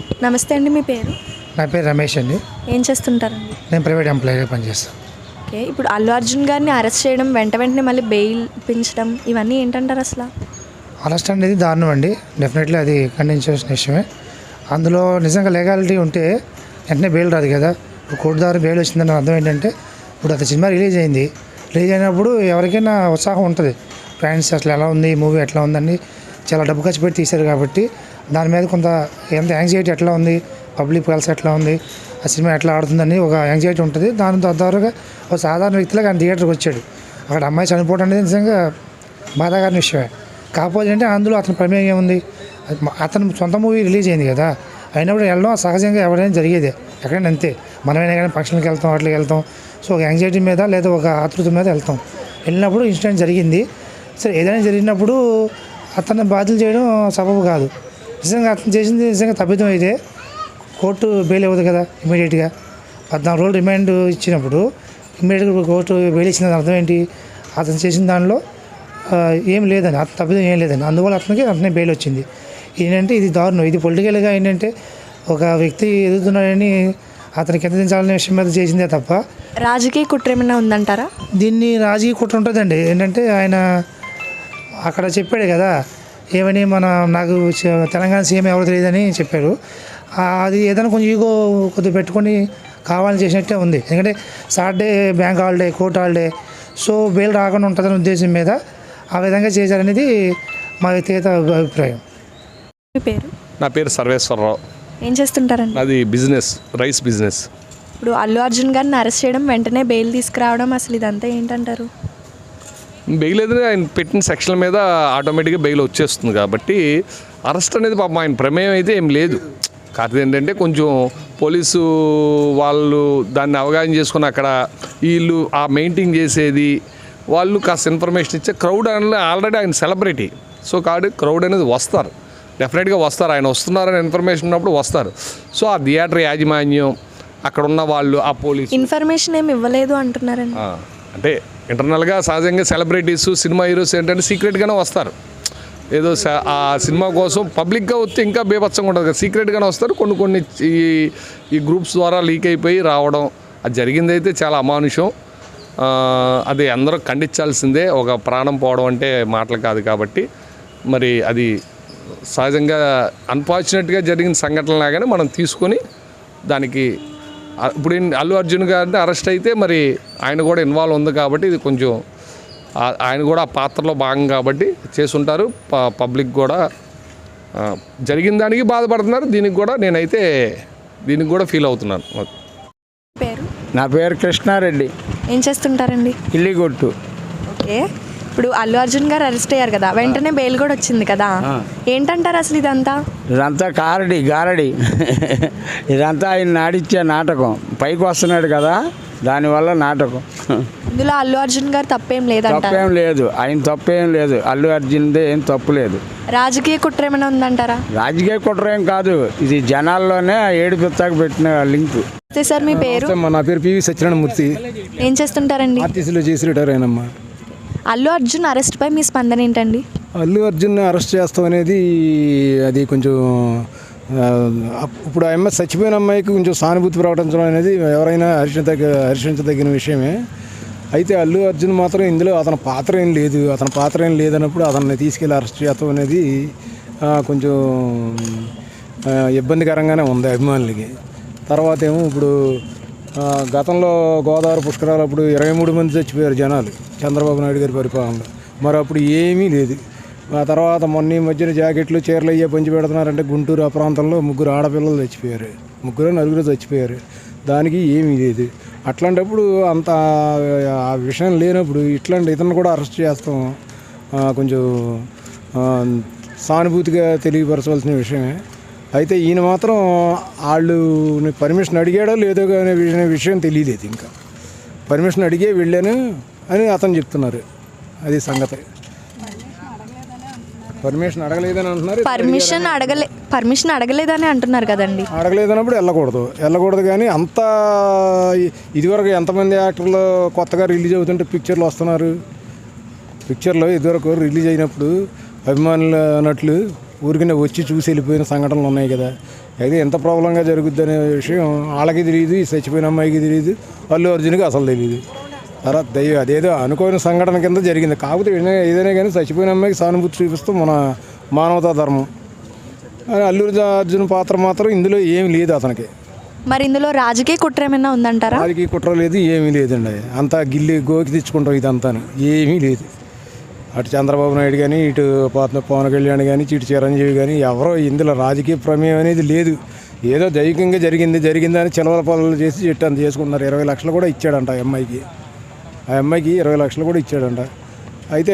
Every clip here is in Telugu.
నమస్తే అండి, మీ పేరు? నా పేరు రమేష్ అండి. ఏం చేస్తుంటారండి? నేను ప్రైవేట్ ఎంప్లాయీగా పనిచేస్తాను. ఓకే, ఇప్పుడు అల్లు అర్జున్ గారిని అరెస్ట్ చేయడం, వెంటనే మళ్ళీ బెయిల్ పెంచడం, ఇవన్నీ ఏంటంటారు అసలు? అరెస్ట్ అనేది దారుణం అండి. డెఫినెట్లీ అది ఖండించాల్సిన విషయమే. అందులో నిజంగా లీగాలిటీ ఉంటే వెంటనే బెయిల్ రాదు కదా. ఇప్పుడు కోర్టు ద్వారా బెయిల్ వచ్చిందని అర్థం ఏంటంటే, ఇప్పుడు అది సినిమా రిలీజ్ అయింది. రిలీజ్ అయినప్పుడు ఎవరికైనా ఉత్సాహం ఉంటుంది. ఫ్యాన్స్ అసలు ఎలా ఉంది, మూవీ ఎట్లా ఉందని చాలా డబ్బు ఖర్చు పెట్టి తీశారు కాబట్టి దాని మీద కొంత ఎంత యాంగ్జైటీ ఎట్లా ఉంది, పబ్లిక్ పల్స్ ఎట్లా ఉంది, ఆ సినిమా ఎట్లా ఆడుతుందని ఒక యాంగ్జైటీ ఉంటుంది. దాని తద్వారాగా ఒక సాధారణ వ్యక్తిలాగా ఆయన థియేటర్కి వచ్చాడు. అక్కడ అమ్మాయి చనిపోవడం అనేది నిజంగా బాధాకరమైన విషయమే. కాకపోతే అంటే అందులో అతని ప్రమేయం ఏముంది? అతను సొంత మూవీ రిలీజ్ అయింది కదా, అయినప్పుడు వెళ్ళడం సహజంగా ఎవరైనా జరిగేదే, ఎక్కడైనా అంతే. మనమైనా కానీ ఫంక్షన్కి వెళ్తాం, వాటికి వెళ్తాం. సో ఒక యాంగ్జైటీ మీద లేదా ఒక ఆతృత మీద వెళ్తాం. వెళ్ళినప్పుడు ఇన్సిడెంట్ జరిగింది. సరే, ఏదైనా జరిగినప్పుడు అతన్ని బాధ్యత చేయడం సబబు కాదు. నిజంగా అతను చేసింది నిజంగా తప్పిదం అయితే కోర్టు బెయిల్ ఇవ్వదు కదా ఇమీడియట్గా. 14 రోజులు రిమాండ్ ఇచ్చినప్పుడు ఇమీడియట్గా కోర్టు బెయిల్ ఇచ్చిన అర్థం ఏంటి? అతను చేసిన దానిలో ఏం లేదని, అతను తప్పిదం ఏం లేదని, అందువల్ల అతనే బెయిల్ వచ్చింది. ఏంటంటే ఇది దారుణం. ఇది పొలిటికల్గా ఏంటంటే ఒక వ్యక్తి ఎదుగుతున్నాడని అతనికి ఎంత దించాలనే విషయం మీద చేసిందే తప్ప రాజకీయ కుట్ర ఏమైనా ఉందంటారా? దీన్ని రాజకీయ కుట్ర ఉంటుందండి. ఏంటంటే ఆయన అక్కడ చెప్పాడు కదా, ఏమని నాకు తెలంగాణ సీఎం ఎవరు తెలియదని చెప్పారు. అది ఏదైనా కొంచెం ఈగో కొద్దిగా పెట్టుకొని కావాలని చేసినట్టే ఉంది. ఎందుకంటే Saturday bank holiday, court holiday, so bail రాకుండా ఉంటుందనే ఉద్దేశం మీద ఆ విధంగా చేశారనేది మా వ్యక్తిగత అభిప్రాయం. మీ పేరు? నా పేరు సర్వేశ్వరరావు. ఏం చేస్తుంటారండి? అది బిజినెస్, రైస్ బిజినెస్. ఇప్పుడు అల్లు అర్జున్ గారిని అరెస్ట్ చేయడం, వెంటనే బెయిల్ తీసుకురావడం, అసలు ఇదంతా ఏంటంటారు? బెయిల్ ఏదైనా ఆయన పెట్టిన సెక్షన్ల మీద ఆటోమేటిక్గా బెయిల్ వచ్చేస్తుంది కాబట్టి అరెస్ట్ అనేది పాపం ఆయన ప్రమేయం అయితే ఏం లేదు. కాకపోతే ఏంటంటే కొంచెం పోలీసు వాళ్ళు దాన్ని అవగాహన చేసుకుని అక్కడ వీళ్ళు ఆ మెయింటైన్ చేసేది వాళ్ళు కాస్త ఇన్ఫర్మేషన్ ఇచ్చే క్రౌడ్ అనేది ఆల్రెడీ ఆయన సెలబ్రిటీ. సో కాబట్టి క్రౌడ్ అనేది వస్తారు, డెఫినెట్గా వస్తారు. ఆయన వస్తున్నారని ఇన్ఫర్మేషన్ ఉన్నప్పుడు వస్తారు. సో ఆ థియేటర్ యాజమాన్యం, అక్కడ ఉన్న వాళ్ళు, ఆ పోలీసు ఇన్ఫర్మేషన్ ఏమి ఇవ్వలేదు అంటున్నారండి. అంటే ఇంటర్నల్గా సహజంగా సెలబ్రిటీస్, సినిమా హీరోస్ ఏంటంటే సీక్రెట్గానే వస్తారు. ఏదో ఆ సినిమా కోసం పబ్లిక్గా వస్తే ఇంకా బీభత్సంగా ఉంటుంది కదా, సీక్రెట్గానే వస్తారు. కొన్ని ఈ గ్రూప్స్ ద్వారా లీక్ అయిపోయి రావడం అది జరిగిందైతే చాలా అమానుషం. అది అందరూ ఖండించాల్సిందే. ఒక ప్రాణం పోవడం అంటే మాటలు కాదు కాబట్టి మరి అది సహజంగా అన్ఫార్చునేట్గా జరిగిన సంఘటన లాగానే మనం తీసుకొని దానికి ఇప్పుడు అల్లు అర్జున్ గారిని అరెస్ట్ అయితే మరి ఆయన కూడా ఇన్వాల్వ్ ఉంది కాబట్టి ఇది కొంచెం ఆయన కూడా ఆ పాత్రలో భాగం కాబట్టి చేసుంటారు. పబ్లిక్ కూడా జరిగిన దానికి బాధపడుతున్నారు. దీనికి కూడా ఫీల్ అవుతున్నాను. పేరు? నా పేరు కృష్ణారెడ్డి. ఏం చేస్తుంటారండి? ఇల్లిగొట్టు. ఓకే, ఇప్పుడు అల్లు అర్జున్ గారు అరెస్ట్ అయ్యారు కదా, వెంటనే బెయిల్ కూడా వచ్చింది కదా, ఏంటంటారు అసలు ఇదంతా? ఇదంతా గారడి ఇదంతా ఆయన నాడిచ్చే నాటకం. పైకి వస్తున్నాడు కదా, దానివల్ల నాటకం. ఇందులో అల్లు అర్జున్ గారు తప్పేం లేదంటారు? తప్పేం లేదు, ఆయన తప్పేం లేదు. అల్లు అర్జున్దే ఏం తప్పు లేదు. రాజకీయ కుట్ర ఏమైనా ఉందంటారా? రాజకీయ కుట్ర ఏం కాదు, ఇది జనాల్లోనే ఏడుపిస్తాకు పెట్టిన లింక్. సార్, మీ పేరు? నా పేరు పివి సత్యనారాయణమూర్తి. ఏం చేస్తుంటారండి? ఆర్టీసీలో చేసి రిటైర్ అయినమ్మా. అల్లు అర్జున్ అరెస్ట్ పై మీ స్పందన ఏంటండి? అల్లు అర్జున్ అరెస్ట్ చేస్తాం అనేది అది కొంచెం ఇప్పుడు ఆ అమ్మాయి చచ్చిపోయిన అమ్మాయికి కొంచెం సానుభూతి ప్రకటించడం అనేది ఎవరైనా హర్షించదగిన విషయమే. అయితే అల్లు అర్జున్ మాత్రం ఇందులో అతని పాత్ర ఏం లేదన్నప్పుడు అతన్ని తీసుకెళ్ళి అరెస్ట్ చేస్తాం అనేది కొంచెం ఇబ్బందికరంగానే ఉంది అభిమానులకి. తర్వాత ఏమో ఇప్పుడు గతంలో గోదావరి పుష్కరాలు అప్పుడు 23 మంది చచ్చిపోయారు జనాలు చంద్రబాబు నాయుడు గారి పరిపాలనలో. మరి అప్పుడు ఏమీ లేదు. ఆ తర్వాత మొన్న మధ్యన జాకెట్లు, చీరలు అయ్యే పంచి పెడుతున్నారంటే గుంటూరు ఆ ప్రాంతంలో 3 ఆడపిల్లలు చచ్చిపోయారు, 4 చచ్చిపోయారు. దానికి ఏమీ లేదు. అట్లాంటప్పుడు అంత ఆ విషయం లేనప్పుడు ఇతను కూడా అరెస్ట్ చేస్తాం కొంచెం సానుభూతిగా తెలియపరచవలసిన విషయమే. అయితే ఈయన మాత్రం వాళ్ళు పర్మిషన్ అడిగాడో లేదో అనే విషయం తెలియలేదు. ఇంకా పర్మిషన్ అడిగే వెళ్ళాను అని అతను చెప్తున్నారు. అది సంగతి. పర్మిషన్ అడగలేదని అంటున్నారు. పర్మిషన్ అడగలేదని అంటున్నారు కదండి. అడగలేదన్నప్పుడు వెళ్ళకూడదు. కానీ అంత ఇదివరకు ఎంతమంది యాక్టర్లు కొత్తగా రిలీజ్ అవుతుంటే పిక్చర్లు వస్తున్నారు. పిక్చర్లో ఇదివరకు రిలీజ్ అయినప్పుడు అభిమానులు అన్నట్లు ఊరికనే వచ్చి చూసి వెళ్ళిపోయిన సంఘటనలు ఉన్నాయి కదా. అయితే ఎంత ప్రాబ్లంగా జరుగుద్ది అనే విషయం వాళ్ళకి తెలియదు, ఈ చచ్చిపోయిన అమ్మాయికి తెలియదు, అల్లు అర్జున్కి అసలు తెలియదు. తర్వాత అదేదో అనుకోని సంఘటన కింద జరిగింది. కాకపోతే ఏదైనా కానీ చచ్చిపోయిన అమ్మాయికి సానుభూతి చూపిస్తూ మన మానవతా ధర్మం. అల్లు అర్జున్ పాత్ర మాత్రం ఇందులో ఏమీ లేదు అతనికి. మరి ఇందులో రాజకీయ కుట్ర ఏమైనా ఉందంటారా? రాజకీయ కుట్ర లేదు, ఏమీ లేదండి. అంతా గిల్లి గోకి తెచ్చుకుంటాం ఇదంతాను, ఏమీ లేదు. అటు చంద్రబాబు నాయుడు కానీ, ఇటు పవన్ కళ్యాణ్ కానీ, ఇటు చిరంజీవి కానీ ఎవరో ఇందులో రాజకీయ ప్రమేయం అనేది లేదు. ఏదో దైవికంగా జరిగిందని చిలవల పనులు చేసి చెట్టు అంత చేసుకుంటున్నారు. 20 లక్షలు కూడా ఇచ్చాడంట ఆ అమ్మాయికి 20 లక్షలు కూడా ఇచ్చాడంట. అయితే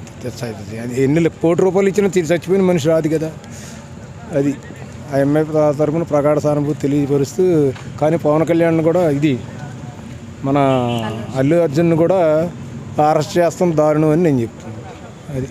ఎన్ని కోటి రూపాయలు ఇచ్చినా చచ్చిపోయిన మనిషి రాదు కదా. అది ఆ అమ్మాయి తరఫున ప్రగాఢ సానుభూతి తెలియపరుస్తూ, కానీ పవన్ కళ్యాణ్ కూడా మన అల్లు అర్జున్ కూడా అరెస్ట్ చేస్తాం దారుణం అని నేను చెప్తున్నాను. అది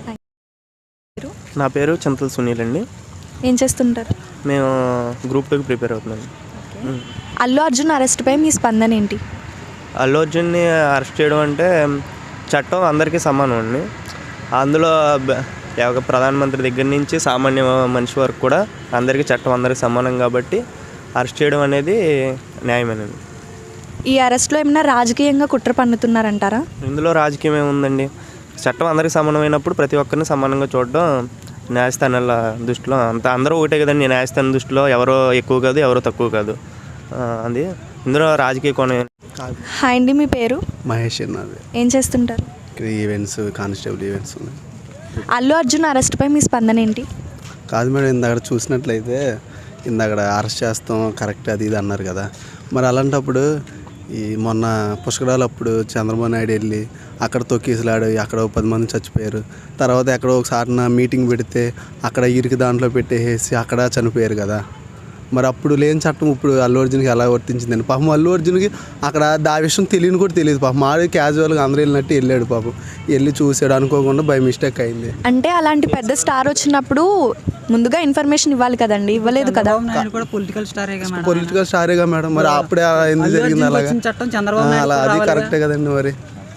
నా పేరు చింతల సునీల్ అండి. ఏం చేస్తుంటారు? మేము గ్రూప్ 2కి ప్రిపేర్ అవుతున్నాం. అల్లు అర్జున్ అరెస్ట్పై మీ స్పందన ఏంటి? అల్లు అర్జున్ని అరెస్ట్ చేయడం అంటే చట్టం అందరికీ సమానం అండి. అందులో ప్రధానమంత్రి దగ్గర నుంచి సామాన్య మనిషి వరకు కూడా అందరికీ చట్టం అందరికీ సమానం కాబట్టి అరెస్ట్ చేయడం అనేది న్యాయమేనండి. ఈ అరెస్ట్లో ఏమైనా రాజకీయంగా కుట్ర పన్నుతున్నారంటారా? ఇందులో రాజకీయం ఏముందండి? చట్టం అందరికీ సమానమైనప్పుడు ప్రతి ఒక్కరిని సమానంగా చూడడం న్యాయస్థానాల దృష్టిలో అందరూ ఒకటే కదండి. న్యాయస్థానం దృష్టిలో ఎవరో ఎక్కువ కాదు, ఎవరో తక్కువ కాదు. అది ఇందులో రాజకీయ కోణం. హాయ్ అండి, మీ పేరు? మహేష్ అన్నది. ఏం చేస్తుంటారు? ఈవెంట్స్, కానిస్టేబుల్ ఈవెంట్స్ ఉన్నాయి. అల్లు అర్జున్ అరెస్ట్పై మీ స్పందన ఏంటి? కాదు మేడం, ఇందాక చూసినట్లయితే ఇందాక అరెస్ట్ చేస్తాం కరెక్ట్ అది ఇది అన్నారు కదా. మరి అలాంటప్పుడు ఈ మొన్న పుష్కరాలప్పుడు చంద్రబాబు నాయుడు వెళ్ళి అక్కడ తొక్కేసిలాడు, అక్కడ 10 మంది చచ్చిపోయారు. తర్వాత ఎక్కడో ఒకసారి మీటింగ్ పెడితే అక్కడ ఇరికి దాంట్లో పెట్టేసి అక్కడ చనిపోయారు కదా. మరి అప్పుడు లేని చట్టం ఇప్పుడు అల్లు అర్జున్కి ఎలా వర్తించిందండి? పాపం అల్లు అర్జున్కి అక్కడ ఆ విషయం తెలియని కూడా తెలియదు. పాపం మాడి క్యాజువల్గా అందరూ వెళ్ళినట్టు వెళ్ళాడు. పాపం వెళ్ళి చూసాడు, అనుకోకుండా బై మిస్టేక్ అయింది. అంటే అలాంటి పెద్ద స్టార్ వచ్చినప్పుడు ముందుగా ఇన్ఫర్మేషన్ ఇవ్వాలి కదండి, ఇవ్వలేదు కదా. పొలిటికల్ స్టారేగా మేడం, మరి అప్పుడే ఎందుకు జరిగింది అలాగా? అలా అది కరెక్టే కదండి. మరి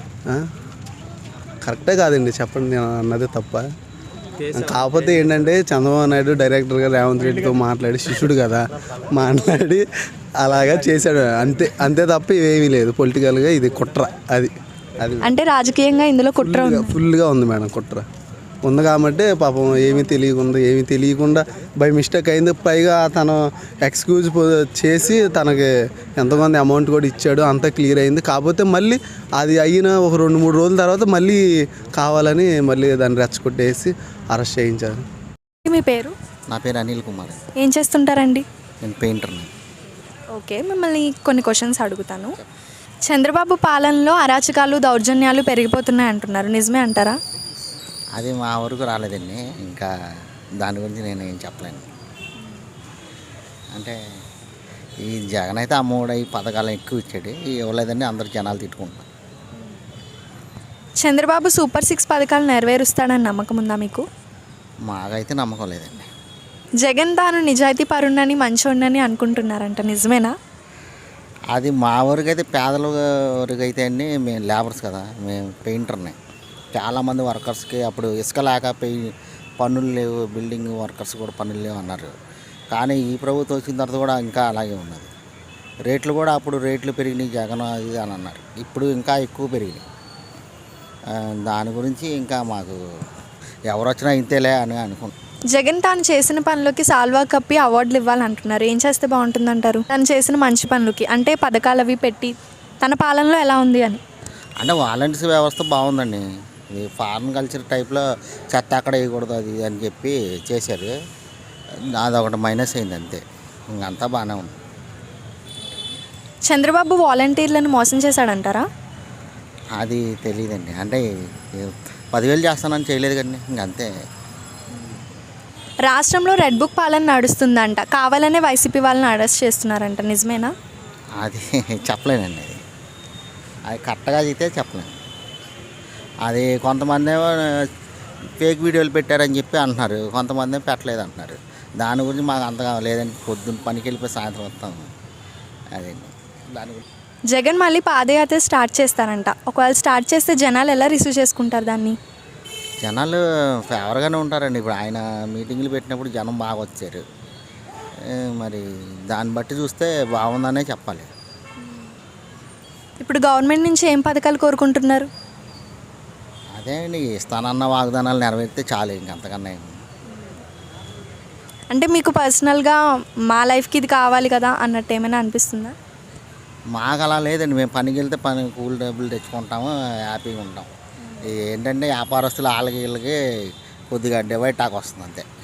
కరెక్టే కాదండి, చెప్పండి, నేను అన్నది తప్ప. కాకపోతే ఏంటంటే చంద్రబాబు నాయుడు డైరెక్టర్గా రేవంత్ రెడ్డితో మాట్లాడి శిష్యుడు కదా, మాట్లాడి అలాగా చేశాడు అంతే. అంతే తప్ప ఇవేమీ లేదు. పొలిటికల్గా ఇది కుట్ర. అది అంటే రాజకీయంగా ఇందులో కుట్ర ఫుల్గా ఉంది మేడం. కుట్ర ఉంది కాబట్టి పాపం ఏమీ తెలియకుండా బై మిస్టేక్ అయింది. పైగా తను ఎక్స్క్యూజ్ చేసి తనకి ఎంతమంది అమౌంట్ కూడా ఇచ్చాడు, అంతా క్లియర్ అయింది. కాకపోతే మళ్ళీ అది అయిన ఒక 2-3 రోజుల తర్వాత మళ్ళీ కావాలని మళ్ళీ దాన్ని రెచ్చగొట్టేసి అరెస్ట్ చేయించారు. మీ పేరు? నా పేరు అనిల్ కుమార్. ఏం చేస్తుంటారండి? నేను పెయింటర్ని. ఓకే, మిమ్మల్ని కొన్ని క్వశ్చన్స్ అడుగుతాను. చంద్రబాబు పాలనలో అరాచకాలు, దౌర్జన్యాలు పెరిగిపోతున్నాయి అంటున్నారు, నిజమే అంటారా? అది మా వరకు రాలేదండి. ఇంకా దాని గురించి నేను ఏం చెప్పలేను. అంటే ఈ జగన్ అయితే అమ్మఒడి ఈ పథకాలు ఎక్కువ ఇచ్చాడు, ఇవ్వలేదండి అందరు జనాలు తిట్టుకుంటారు. చంద్రబాబు సూపర్ 6 పథకాలు నెరవేరుస్తాడని నమ్మకం ఉందా మీకు? మాకైతే నమ్మకం లేదండి. జగన్ తాను నిజాయితీ పరుణ్ణని మంచోడినని అనుకుంటున్నారంట, నిజమేనా? అది మా వరకు అయితే పేదల వరకు అయితే అండి, మేము లేబర్స్ కదా, మేము పెయింటర్ని. చాలామంది వర్కర్స్కి అప్పుడు ఇసుక లేక పన్నులు లేవు, బిల్డింగ్ వర్కర్స్ కూడా పన్నులు లేవు అన్నారు. కానీ ఈ ప్రభుత్వం వచ్చిన తర్వాత కూడా ఇంకా అలాగే ఉన్నది. రేట్లు కూడా అప్పుడు రేట్లు పెరిగినాయి జగన్ అది అని అన్నారు, ఇప్పుడు ఇంకా ఎక్కువ పెరిగినాయి. దాని గురించి ఇంకా మాకు ఎవరు వచ్చినా ఇంతేలే అని అనుకుంటున్నాం. జగన్ తాను చేసిన పనులకి సాల్వా కప్పి అవార్డులు ఇవ్వాలంటున్నారు, ఏం చేస్తే బాగుంటుందంటారు? తను చేసిన మంచి పనులకి, అంటే పథకాలు అవి పెట్టి తన పాలనలో ఎలా ఉంది అని. అంటే వాలంటీర్స్ వ్యవస్థ బాగుందండి. ఇది ఫారెన్ కల్చర్ టైప్లో చెత్త అక్కడ వేయకూడదు అది అని చెప్పి చేశారు, అదొకటి మైనస్ అయింది అంతే, ఇంకంతా బాగానే ఉంది. చంద్రబాబు వాలంటీర్లను మోసం చేశాడంటారా? అది తెలియదండి. అంటే 10,000 చేస్తానని చేయలేదు కదండి, ఇంకంతే. రాష్ట్రంలో రెడ్ బుక్ పాలన నడుస్తుందంట, కావాలనే వైసీపీ వాళ్ళని అరెస్ట్ చేస్తున్నారంట, నిజమేనా? అది చెప్పలేనండి. అది కరెక్ట్గా అయితే చెప్పలేను. అది కొంతమంది ఫేక్ వీడియోలు పెట్టారని చెప్పి అంటున్నారు, కొంతమంది పెట్టలేదు అంటున్నారు. దాని గురించి మాకు అంతగా లేదండి, పొద్దున్న పనికి వెళ్ళిపోయి సాయంత్రం వస్తాము. అదండి దాని గురించి. జగన్ మళ్ళీ పాదయాత్ర స్టార్ట్ చేస్తారంట, ఒకవేళ స్టార్ట్ చేస్తే జనాలు ఎలా రిసీవ్ చేసుకుంటారు దాన్ని? జనాలు ఫేవర్గానే ఉంటారండి. ఇప్పుడు ఆయన మీటింగ్లు పెట్టినప్పుడు జనం బాగా వచ్చారు. మరి దాన్ని బట్టి చూస్తే బాగుందనే చెప్పాలి. ఇప్పుడు గవర్నమెంట్ నుంచి ఏం పథకాలు కోరుకుంటున్నారు? అదే అండి, ఇస్తానన్న వాగ్దానాలు నెరవేరితే చాలు, ఇంకంతకన్నా ఏం. అంటే మీకు పర్సనల్గా మా లైఫ్కి ఇది కావాలి కదా అన్నట్టు ఏమైనా అనిపిస్తుందా? మాకు అలా లేదండి, మేము పనికి వెళ్తే కూలి డబ్బులు తెచ్చుకుంటాము, హ్యాపీగా ఉంటాం. ఏంటంటే వ్యాపారస్తులు వాళ్ళకి వీళ్ళకి కొద్దిగా డివైడ్ టాక్ వస్తుంది అంతే.